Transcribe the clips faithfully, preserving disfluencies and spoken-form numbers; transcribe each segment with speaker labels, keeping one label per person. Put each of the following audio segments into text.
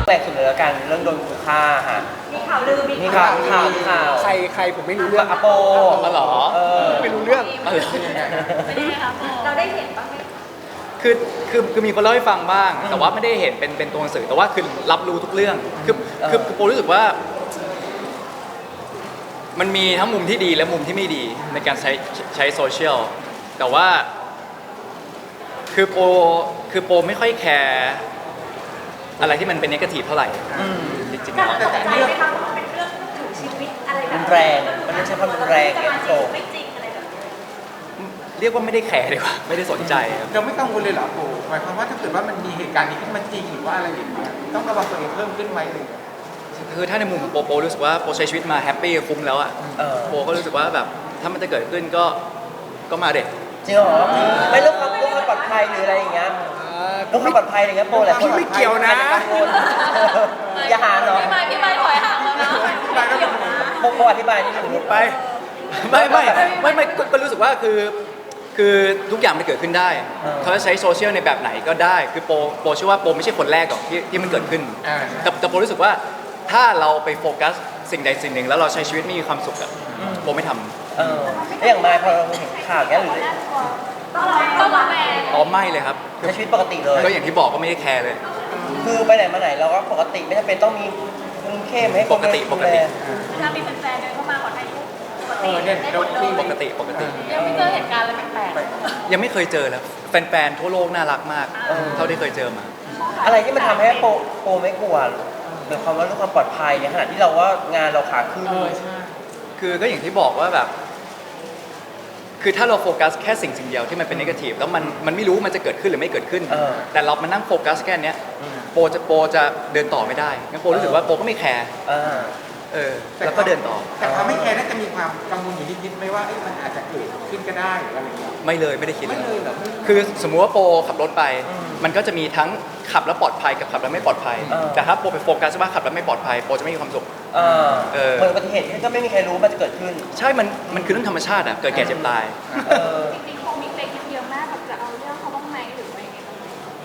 Speaker 1: แปลกสุดเลยละกันเรื่องโดนขู่ฆ่าฮะ
Speaker 2: มีข่าวลือมี
Speaker 1: มีข่าวข่าวข่าว
Speaker 3: ใครใครผมไม่รู้เรื่อง
Speaker 1: อโป
Speaker 3: มาหรอไม่รู้เรื่อง
Speaker 2: เป็นยังไงคะเราได้เห็นบ้างไหม
Speaker 4: คือคือคือมีคนเล่าให้ฟังบ้าง แต่ว่าไม่ได้เห็นเป็นเป็นตัวหนังสือแต่ว่าคือรับรู้ทุกเรื่องคือคือคือโปรู้สึกว่า มันมีทั้งมุมที่ดีและมุมที่ไม่ดีในการใช้ใช้โซเชียลแต่ว่า คือโปคือโปไม่ค่อยแคร์อะไรที่มันเป็นนกาทีฟเท่าไหร่จริงๆแล้ว
Speaker 2: ตกใจไหมคะว่ามันเป็นเรื่องถึงชีวิตอะไรแบบ
Speaker 1: มันแรงมันไม่ใช่ความรุนแรงเอ็มโต
Speaker 2: ไม่จริงอะไรแบบนี้
Speaker 4: เรียกว่าไม่ได้แคร์ดีกว่าไม่ได้สนใจครับ
Speaker 5: เราไม่กังวลเลยเหรอโอ้หมายความว่าถ้าเกิดว่ามันมีเหตุการณ์นี้ขึ้นมาจริงหรือว่าอะไรอย่างเงี้ยต้องระวังตัวเองเพิ่มขึ้นไหมเลย
Speaker 4: คือถ้าในมุมของโปโปรู้สึกว่าโปใช้ชีวิตมาแฮปปี้คุ้มแล้วอ่ะโปก็รู้สึกว่าแบบถ้ามันจะเกิดขึ้นก็ก็มาเด็ก
Speaker 1: จริงเหรอไม่เรื่องความเรื่องความปลอดภัยหรืออะไรอย่างเงี้ยเรื่องความปลอดภัยอะไรเงี้ยโปแหละ
Speaker 3: พี่ไม่เกี่ยวนะ
Speaker 1: อย่าหาเหรอ
Speaker 2: พี่ไม้พี่ไม้ถอยห่างแล้วนะไม่เกี่ยวนะ
Speaker 1: โปโปอธิบายนิดนึง
Speaker 4: ไปไม่ไม่ไม่ไม่ก็รู้สึกว่าคือคือทุกอย่างมันเกิดขึ้นได้เขาจะใช้โซเชียลในแบบไหนก็ได้คือโปโปเชื่อว่าโปไม่ใช่คนแรกหรอกที่ที่มันเกิดขึ้นแต่แต่โปรู้สึกว่าถ้าเราไปโฟกัสสิ่งใดสิ่งหนึ่งแล้วเราใช้ชีวิตไม่มีความสุขอะโปไม่ทำ
Speaker 1: เออแล้วอย่างมายพอเราเห็นข่าวเงี้ยหรือ
Speaker 2: ต้องต้องระแวง
Speaker 4: อ๋อไม่เลยครับ
Speaker 1: ใช้ชีวิตปกติเลย
Speaker 4: ก็อย่างที่บอกก็ไม่ได้แคร์เลย
Speaker 1: คือไปไหนมาไหนเราก็ปกติไม่จำเป็นต้องมีคุมเข้มให้คน
Speaker 4: ปกติปกติ
Speaker 2: ถ้ามีแฟนๆเดินเข้ามาขอถ่ายรูปปกติ
Speaker 5: เนี่ย
Speaker 2: ได้ห
Speaker 5: โด
Speaker 2: ม
Speaker 5: น
Speaker 2: ดเล
Speaker 5: ที่
Speaker 2: ย
Speaker 4: ปกติปกติ
Speaker 2: ยังไม่เจอเหตุการณ์อะไรแปลก
Speaker 4: ยังไม่เคยเจอแล้วแฟนๆทั่วโลกน่ารักมาก เท่าที่เคยเจอมา
Speaker 1: อะไรที่มันทำให้โปโปไม่กลัวหมายความว่าเรื่องความปลอดภัยในขณะที่เราว่างานเราขาขึ้น
Speaker 4: คือก็อย่างที่บอกว่าแบบ คือถ้าเราโฟกัสแค่สิ่งสิ่งเดียวที่มันเป็นนกาทีฟแล้วมันมันไม่รู้มันจะเกิดขึ้นหรือไม่เกิดขึ้น แต่เรามานั่งโฟกัสแค่เนี้ยโปจะโปจะเดินต่อไม่ได้งั้นโปรู้สึกว่าโปก็ไม่แคร์เออแล้วก็เดินต่อ
Speaker 5: แต่เขาไม่แคร์น่าจะมีความกังวลอยู่นิดๆไหมว่ามันอาจจะเกิดขึ้นก็ได้หรืออะไรอย่างเงี้ย
Speaker 4: ไม่เลยไม่ได้คิด
Speaker 5: ไม่เลยเหรอ
Speaker 4: คือสมมุติว่าโปขับรถไป มันก็จะมีทั้งขับแล้วปลอดภัยกับขับแล้วไม่ปลอดภัย แต่ถ้าโปไปโฟกัสว่าขับแล้วไม่ปลอดภัยโปจะไม่มีความสุข
Speaker 1: เออเหมือนอุบัติเหตุที่ก็ไม่มีใครรู้มันจะเกิดขึ้น
Speaker 4: ใช่มันมันคือเรื่องธรรมชาติอะเกิดแก่เจ็บตาย
Speaker 2: จริงๆคงมีเพลงเยอะมากแบบจะเอาเรื่องเขาบ้างไหมหรือว่ายังไงบ้าง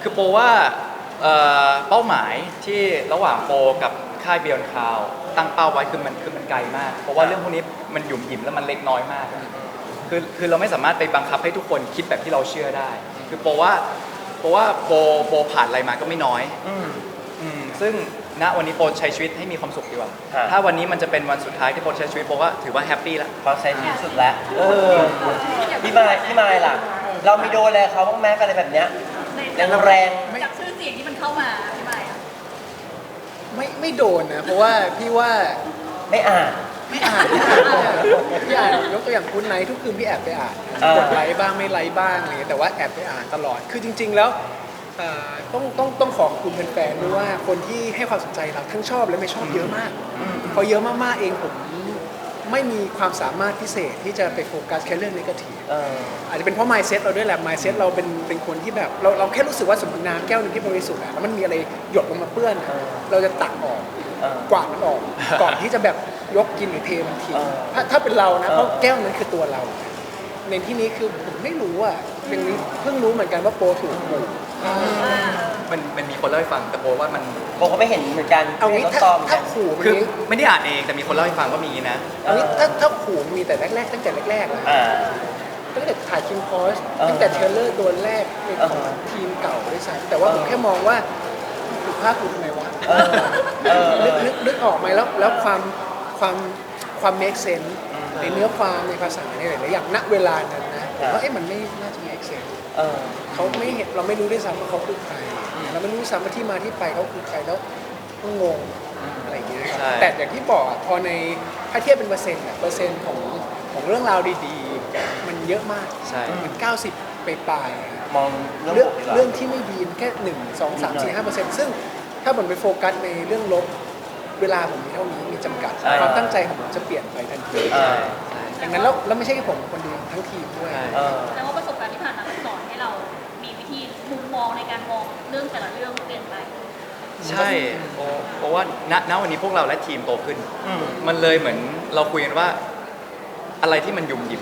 Speaker 4: คือโปว่าเป้าหมายที่ระหว่างโปกับค่ายเบียนคาวตั้งเป้าไว้คือมันคือมันไกลมากเพราะว่าเรื่องพวกนี้มันหยุ่มหยิมแล้วมันเล็กน้อยมากคือคือเราไม่สามารถไปบังคับให้ทุกคนคิดแบบที่เราเชื่อได้คือโปว่าโปว่าโปโปผ่านอะไรมาก็ไม่น้อยซึ่งณวันนี้โปใช้ชีวิตให้มีความสุขดีกว่าถ้าวันนี้มันจะเป็นวันสุดท้ายที่โปใช้ชีวิตโปว่าถือว่าแฮปปี้แล้ว
Speaker 1: พอใช้ชีวิตสุดแล้วเออพี่มายพี่มายล่ะเรามีโดนอะไรเขาบ้างแม้อะไรแบบเนี้ยแรงแรง
Speaker 2: จากชื่อเสียงที่มันเข้ามาพี่ไม้อะ
Speaker 3: ไม่ไม่โดนนะเพราะว่าพี่ว่า
Speaker 1: ไม่อ่าน
Speaker 3: ไม่อ่านพี่อ่านยกตัวอย่างคุณไนท์ทุกคืนพี่แอบไปอ่านกดไลค์บ้างไม่ไลค์บ้างอะไรแต่ว่าแอบไปอ่านตลอดคือจริงๆแล้วต้องต้องต้องขอบคุณแฟนๆด้วยว่าคนที่ให้ความสนใจเราทั้งชอบและไม่ชอบเยอะมากพอเยอะมากๆเองผมไม่มีความสามารถพิเศษที่จะไปโฟกัสแค่เรื่องนกาทีฟอาจจะเป็นเพราะ mindset เราด้วยแหละ mindset เราเป็นเป็นคนที่แบบเราเราแค่รู้สึกว่าสมมติน้ำแก้วนึงที่บริสุทธิ์แล้วมันมีอะไรหยดลงมาเปื้อนเราจะตักออกกวาดมันออกก่อนที่จะแบบยกกินหรือเทมันทิ้งถ้าถ้าเป็นเรานะเพราะแก้วนั้นคือตัวเราในที่นี้คือผมไม่รู้อ่ะเป็นเพิ่งรู้เหมือนกันว่าโปถูกขู่
Speaker 4: มันมันมีคนเล่าให้ฟังแต่โปว่ามัน
Speaker 1: โปก็ไม่เห็นเหมือนกัน
Speaker 3: เอางี้ถ้าถ้าขู่
Speaker 4: คือไม่ได้อ่านเองแต่มีคนเล่าให้ฟังว่ามีนะ
Speaker 3: เอางี้ถ้าถ้าขู่มีแต่แรกๆตั้งแต่แรกๆเลยตั้งแต่ถ่ายคิมคอสตั้งแต่เทรลเลอร์ตัวแรกของทีมเก่าด้วยซ้ำแต่ว่าผมแค่มองว่าถูกภาคกูทำไมวะนึกนึกนึกออกไหมแล้วแล้วความความความ make sense ในเนื้อความในภาษาในหลายๆอย่างณเวลานั้นนะผมว่าเอ๊ะมันไม่น่าจะ make sense เขาไม่เห็นเราไม่รู้ด้วยซ้ำว่าเขาคือใครเราไม่รู้ซ้ำว่าที่มาที่ไปเขาคือใครแล้วก็งงอะไรอย่างเงี้ยแต่อย่างที่บอกพอในถ้าเทียบเป็นเปอร์เซ็นต์เปอร์เซ็นต์ของของเรื่องราวดีๆมันเยอะมาก
Speaker 4: ใช่
Speaker 3: มันเก้าสิบไปปลาย
Speaker 1: มอง
Speaker 3: เรื่องเรื่องที่ไม่ดีแค่หนึ่งสองสามสี่ห้าเปอร์เซ็นต์ซึ่งถ้าผมไปโฟกัสในเรื่องลบเวลาผมมีเท่านี้มีจำกัดความตั้งใจของผมจะเปลี่ยนไปทันทีดังนั้นแล้วแล้วไม่ใช่แค่ผมคนเดียวทั้งทีมด้วย
Speaker 2: แต่ว่าประสบการณ์ที่ผ่านมาสอนให้เรามีวิธีมุมมองในการมองเรื่องแต่ละเรื่องเปลี่ยนไป
Speaker 4: ใช่เพราะว่าณณวันนี้พวกเราและทีมโตขึ้นมันเลยเหมือนเราคุยกันว่าอะไรที่มันยุ่มหยิบมา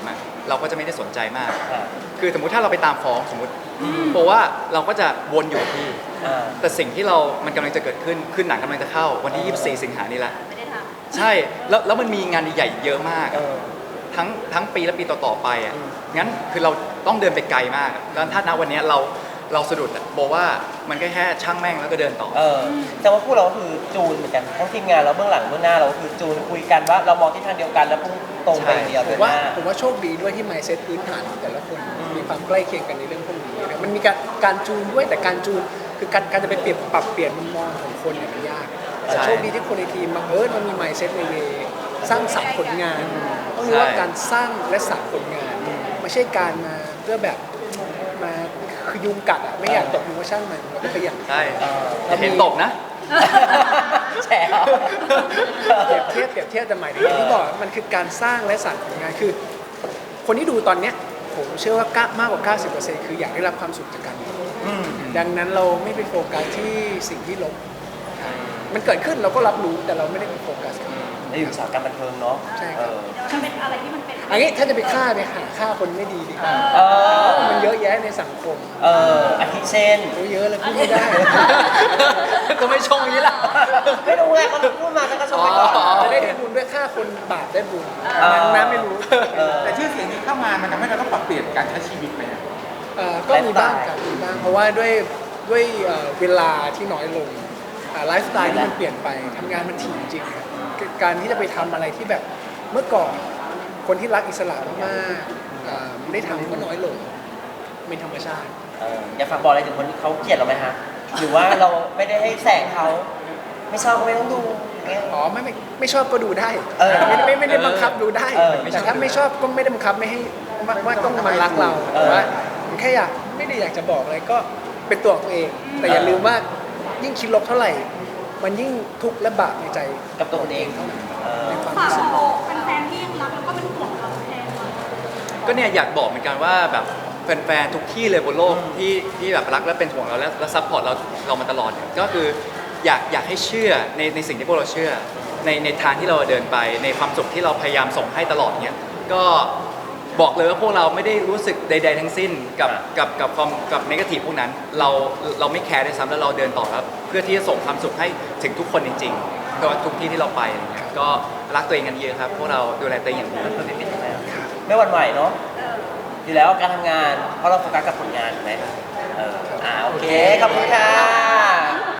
Speaker 4: เราก็จะไม่ได้สนใจมาก
Speaker 1: อ่า
Speaker 4: คือสมมุติถ้าเราไปตามฟ้องสมมติเพราะว่าเราก็จะวนอยู่ที่
Speaker 1: อ่า
Speaker 4: แต่สิ่งที่เรา มันกำลังจะเกิดขึ้นคือหนังกำลังจะเข้าวันที่ ยี่สิบสี่ สิงหานี้ละ
Speaker 2: ไม่ได้ท
Speaker 4: ใช่แล้วแล้วมันมีงานใหญ่ๆเยอะมาก
Speaker 1: เออ
Speaker 4: ทั้งทั้งปีและปีต่อๆไปอ่ะ
Speaker 1: อืม
Speaker 4: งั้นคือเราต้องเดินไปไกลมากอะแล้วถ้าณวันเนี้ยเราเราสะดุดอะบอกว่ามันก็แค่ช่างแม่งแล้วก็เดินต่อ
Speaker 1: เออแต่ว่าพวกเราก็คือจูนเหมือนกันทั้งทีมงานเราเบื้องหลังเบื้องหน้าเราก็คือจูนคุยกันว่าเรามองที่ทางเดียวกันแล้วพุ่งตรงไปอย่างเดียว
Speaker 3: ผ
Speaker 1: เดิ
Speaker 3: ม
Speaker 1: น
Speaker 3: ว่า
Speaker 1: หน้า
Speaker 3: ผมว่าโชคดีด้วยที่ mindset พื้นฐานของแต่ละคนมีความใกล้เคียงกันในเรื่องพวกนี้นะมันมีการการจูนด้วยแต่การจูนคือการการจะไปเปลี่ยนปรับเปลี่ยนมุมมองของคนเนี่ยมันยากแต่
Speaker 4: ใช่
Speaker 3: โชคดีที่คนในทีมบังเอิญมันมี mindset ในเวสร้างสรรค์ผลงานต้องรู้ว่า
Speaker 4: ใช่
Speaker 3: การสร้างและสรรค์ผลงานไม่ใช่การมาเพื่อแบบมาคือยุงกัดอ่ะไม่อยากตกยุงก็ช่างมันเราก็พยายาม
Speaker 4: ใช่
Speaker 1: เออ
Speaker 4: แต่เห็นตกนะ
Speaker 1: แฉเอา
Speaker 3: เปรียบเทียบเปรียบเทียบแต่หมายถึงอย่างที่บอกมันคือการสร้างและสรรค์ผลงานคือ คนที่ดูตอนเนี้ยผมเชื่อว่าก้ามากกว่า เก้าสิบเปอร์เซ็นต์ คืออยากได้รับความสุขจากการดู
Speaker 1: อืม
Speaker 3: ดังนั้นเราไม่ไปโฟกัสที่สิ่งที่ลบมันเกิดขึ้นเราก็รับรู้แต่เราไม่ได้ไปโฟกัสกับมัน
Speaker 1: ในอุตสาหกรรมบันเทิงเนาะ
Speaker 3: ใช่ครับ
Speaker 1: เออ
Speaker 2: ำมันเป็นอะไรที่มันเป็น
Speaker 3: อันนี้ถ้าจะไปฆ่าไปหาฆ่าคนไม่ดีดีกว่า
Speaker 1: เออ
Speaker 3: มันเยอะแยะในสังคม
Speaker 1: เอออาทิเช่น
Speaker 3: โอ้เยอะเลยพูดไม่ได้
Speaker 4: ก็ไม่ชงอย่างนี้ล่ะ
Speaker 1: ไม่รู้ไงเขาพูดมาแล้วก็ชมไปก่อน
Speaker 4: อ๋อ
Speaker 3: จะได้บุญด้วยฆ่าคนบาปได้บุญ
Speaker 1: เออ
Speaker 3: นั้นนะไม่รู้
Speaker 1: เออ
Speaker 5: แต่ชื่อเสียงนี้เข้ามามันทำให้เราต้องปรับเปลี่ยนการใช้ชีวิตไหมอะ
Speaker 3: เอ่อก็มีบ้างครับมีบ้างเพราะว่าด้วยด้วยเอ่อเวลาที่น้อยลงอ่าไลฟ์สไตล์ที่มันเปลี่ยนไปทำงานมันถี่จริงๆครับการที่จะไปทำอะไรที่แบบเมื่อก่อนคนที่รักอิสระมากๆอ่าได้ทำก็น้อยลงเป็นธรรมชาติ
Speaker 1: เอออยากฝากบอกอะไรถึงคนที่เขาเกลียดเราไหมฮะหรือว่าเราไม่ได้ให้แสงเขาไม่ชอบก็ไม่ต้องดูอย่างเงี้ย
Speaker 3: อ๋อไม่ไม่ไม่ชอบก็ดูได้
Speaker 1: เออ
Speaker 3: ไม่ไม่ไม่ได้บังคับดูได้
Speaker 1: เออ
Speaker 3: แต่ถ้าไม่ชอบก็ไม่ได้บังคับไม่ให้ว่าว่าต้องมารักเรา
Speaker 1: เออ
Speaker 3: แต่ว่าแค่อยากไม่ได้อยากจะบอกอะไรก็เป็นตัวของตัวเอง แต่อย่าลืมว่ายิ่งคิดลบเท่าไหร่ มันยิ่งทุกข์และบาปในใจ
Speaker 1: กับตัวคนเองเออ
Speaker 3: ในความ
Speaker 2: ฝาก
Speaker 3: รู้สึก
Speaker 2: โลกแฟนๆที่ยังรักแล้วก็เป็นห่วงเราแทนเรา
Speaker 4: ก็เนี่ยอยากบอกเหมือนกันว่าแบบแฟนๆทุกที่เลยบนโลกที่ที่แบบรักและเป็นห่วงเราและและซัพพอร์ตเราเรามาตลอดเนี่ยก็คืออยากอยากให้เชื่อในในสิ่งที่พวกเราเชื่อ ในในทางที่เราเดินไปในความสุขที่เราพยายามส่งให้ตลอดเนี้ยก็บอกเลยว่าพวกเราไม่ได้รู้สึกใด ๆ ทั้งสิ้นกับกับกับความกับนกาทีฟพวกนั้นเราเราไม่แคร์ด้วยซ้ำแล้วเราเดินต่อครับเพื่อที่จะส่งความสุขให้ถึงทุกคนจริงๆก็ทุกที่ที่เราไปอะไรเงี้ยก็รักตัวเองกันเยอะครับพวกเราดูแลตัวเองอย่างดี
Speaker 1: ไม่หวั่นไหวเนาะอยู่แล้วการทำงานเพราะเราโฟกัสกับผลงานถูกไหมเอออ่าโอเคขอบคุณค่ะ